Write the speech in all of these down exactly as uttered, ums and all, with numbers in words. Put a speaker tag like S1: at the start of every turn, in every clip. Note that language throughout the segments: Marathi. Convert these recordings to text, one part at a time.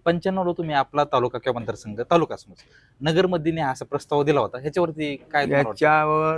S1: पंच्याण्णव तुम्ही आपला तालुका किंवा मतदारसंघ तालुका समज नगरमध्ये असा प्रस्ताव दिला होता, ह्याच्यावरती काय तुम्हाला वाटतं?
S2: याच्यावर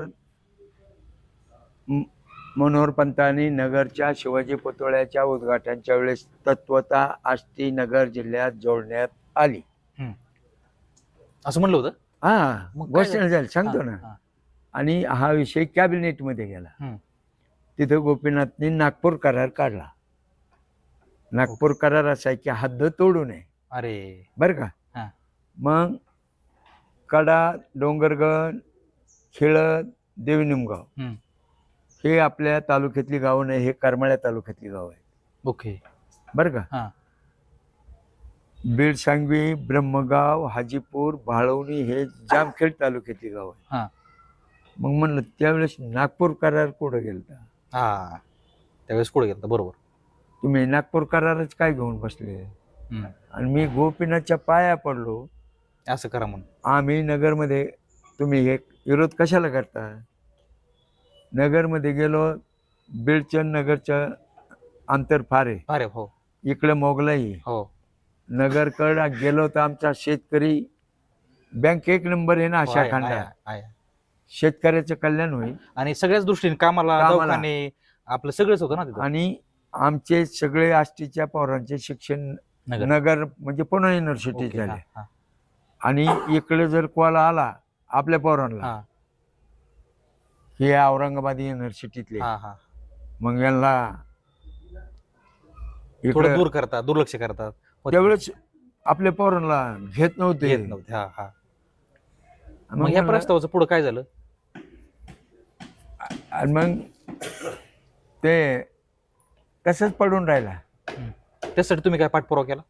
S2: म- मनोहर पंतांनी नगरच्या शिवाजी पुतळ्याच्या उद्घाटनाच्या वेळेस तत्वता आष्टी नगर जिल्ह्यात जोडण्यात आली.
S1: असं म्हणलं होतं.
S2: हा
S1: मग काय
S2: घोषणा
S1: झालं?
S2: झाली सांगतो
S1: हा,
S2: ना.
S1: हा.
S2: आणि हा विषय कॅबिनेटमध्ये गेला.
S1: हम्म.
S2: तिथं गोपीनाथनी नागपूर करार काढला. नागपूर करार असा आहे की हद्द तोडू नये
S1: अरे
S2: बरं का.
S1: हा.
S2: मग कडा, डोंगरगड, खेळद, देवनिमगाव
S1: हम्म.
S2: हे आपल्या तालुक्यातली गावं नाही, हे करमाळ्या तालुक्यातली गाव आहे
S1: ओके.
S2: बरं का.
S1: हा.
S2: बीड, सांगवी, ब्रह्मगाव, हाजीपूर, भाळवणी हे जामखेड तालुक्यातली गाव आहे.
S1: हा.
S2: मग म्हणलं त्यावेळेस नागपूर करार कुठं गेलता?
S1: हा त्यावेळेस पुढे गेलं बरोबर.
S2: तुम्ही नागपूर करारच काय घेऊन बसले?
S1: हम्म.
S2: आणि मी गोपीनाथच्या पाया पडलो.
S1: असं करा म्हणून
S2: आम्ही नगरमध्ये, तुम्ही हे विरोध कशाला करता? नगरमध्ये गेलो, बीडचं नगरचं अंतर फार आहे.
S1: अरे हो
S2: इकडे मोगलाई
S1: हो
S2: नगरकडे गेलो तर आमचा शेतकरी बँक एक नंबर आहे ना
S1: हो,
S2: अशा
S1: आहे,
S2: खंडात.
S1: आहे, आहे.
S2: शेतकऱ्याचं कल्याण होईल.
S1: आणि सगळ्याच दृष्टीने कामाला
S2: कामाला.
S1: दवाखाने आपलं सगळंच होतं ना तिथं.
S2: आणि आमचे सगळे आष्टीच्या पोरांचे शिक्षण
S1: नगर.
S2: नगर म्हणजे पुणे युनिव्हर्सिटी
S1: ओके,
S2: झाले.
S1: हा, हा,
S2: आणि इकडे जर कॉला आला आपल्या पोरांना,
S1: हा,
S2: हे औरंगाबाद युनिव्हर्सिटीतले,
S1: हा, हा.
S2: मग यांना
S1: थोडं
S2: इकडे
S1: दूर करतात, दुर्लक्ष करतात.
S2: त्यावेळेस आपल्या पोरांना घेत नव्हते.
S1: येत नव्हते. हा हा
S2: मग
S1: मग ह्या
S2: म्हणलं-
S1: प्रस्तावाचं पुढे काय झालं?
S2: आणि मग ते तसंच पडून राहिला.
S1: हम्म. त्यासाठी तुम्ही काय पाठपुरावा केला?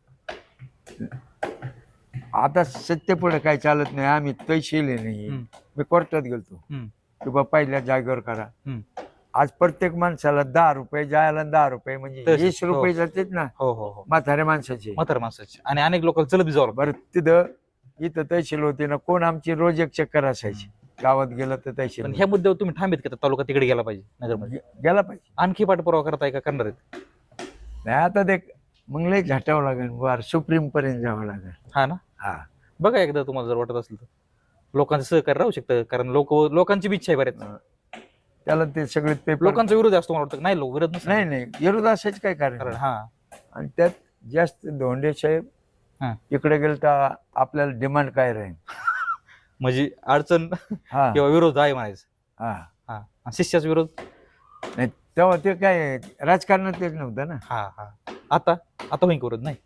S2: आता सत्य पुढे काही चालत नाही. आम्ही तैशिले नाही.
S1: हम्म.
S2: मी कोर्टात गेलतो
S1: हम्म.
S2: की बा पहिल्या जागेवर करा.
S1: हम्म.
S2: आज प्रत्येक माणसाला दहा रुपये जायला दहा रुपये म्हणजे
S1: तसेच,
S2: वीस
S1: हो.
S2: रुपये जातात ना
S1: हो हो हो
S2: म्हाताऱ्या माणसाचे.
S1: म्हातार माणसाची. आणि अनेक लोकांना चलत बी जावं लागतं.
S2: बरं तिथं इथं तहसील होती ना, कोण आमची रोज एक चक्कर असायची. गावात गेलं तर तहसील
S1: पण ह्या मुद्द्यावर तुम्ही थांबित का तालुका तिकडे गेला पाहिजे नगरमध्ये?
S2: गे- गेला पाहिजे.
S1: आणखी पाठपुरावा करताय का करणार आहेत?
S2: नाही आता ते मग लय झाटावं लागेल, वार सुप्रीम पर्यंत जावं लागेल.
S1: हा ना.
S2: हा
S1: बघा एकदा तुम्हाला जर वाटत असेल तर लोकांचं सहकार्य राहू शकतं, कारण लोक लोकांची बी इच्छा आहे बऱ्याच.
S2: त्याला ते सगळे पेपर
S1: लोकांचा विरोध असतो मला वाटतं. नाही लोक विरोध नसतो.
S2: नाही नाही विरोध असायच काय कारण
S1: कारण
S2: नाही.
S1: हा
S2: आणि त्यात जास्त धोंडे साहेब
S1: हा.
S2: इकडे गेलं तर आपल्याला डिमांड काय राहील.
S1: म्हणजे अडचण
S2: हा
S1: किंवा विरोध आहे म्हणायचं.
S2: हा
S1: हा आणि शिष्याचा विरोध.
S2: नाही तेव्हा ते काय राजकारणात तेच नव्हतं ना.
S1: हा हा आता आता होईन विरोध नाही.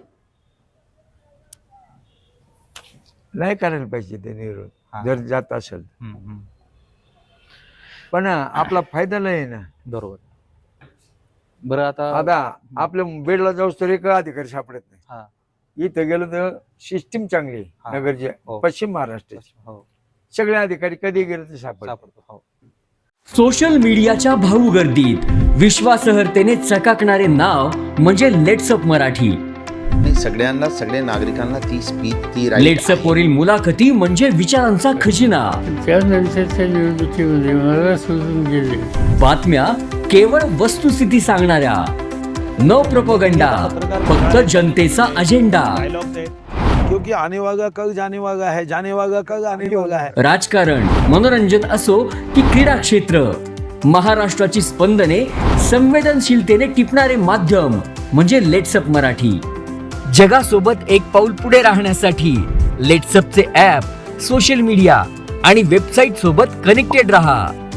S2: नाही करायला पाहिजे ते
S1: हा.
S2: विरोध जर जात असेल.
S1: हम्म, हम्म.
S2: पण आपला फायदा नाही ना.
S1: बरोबर. बरं आता
S2: आता आपल्या बेडला जाऊस तर एक अधिकारी सापडत नाही.
S1: हा
S2: इथं गेलो तर सिस्टीम चांगली आहे.
S1: हा.
S2: नगरचे
S1: हो.
S2: पश्चिम महाराष्ट्राचे
S1: हो
S2: सगळे अधिकारी कधी गेले तर सापडतात.
S1: सापडतो. हो
S3: सोशल मीडियाच्या भाऊ गर्दीत विश्वासार्हतेने चकाकणारे नाव म्हणजे लेट्सअप मराठी.
S4: नाही, सगळ्यांना सगळ्या नागरिकांना ती स्पीच ती right
S3: लेट्सअप वरील मुलाखती म्हणजे विचारांचा खजिना.
S5: त्यानंतरच्या निवडणुकीमध्ये मला सोडून गेले.
S3: बातम्या केवळ वस्तुस्थिती सांगणाऱ्या, न प्रोपगंडा, फक्त जनतेचा अजेंडा.
S6: क्योंकि आने वाला कल जाने वाला है, जाने वाला कल आने वाला है.
S3: राजकारण, मनोरंजन असो की क्रीडा क्षेत्र, महाराष्ट्राची स्पंदने संवेदनशीलतेने टिपणारे माध्यम म्हणजे लेट्सअप मराठी. जगासोबत एक पाऊल पुढे राहण्यासाठी लेट्सअपचे ॲप, सोशल मीडिया आणि वेबसाईट सोबत कनेक्टेड रहा.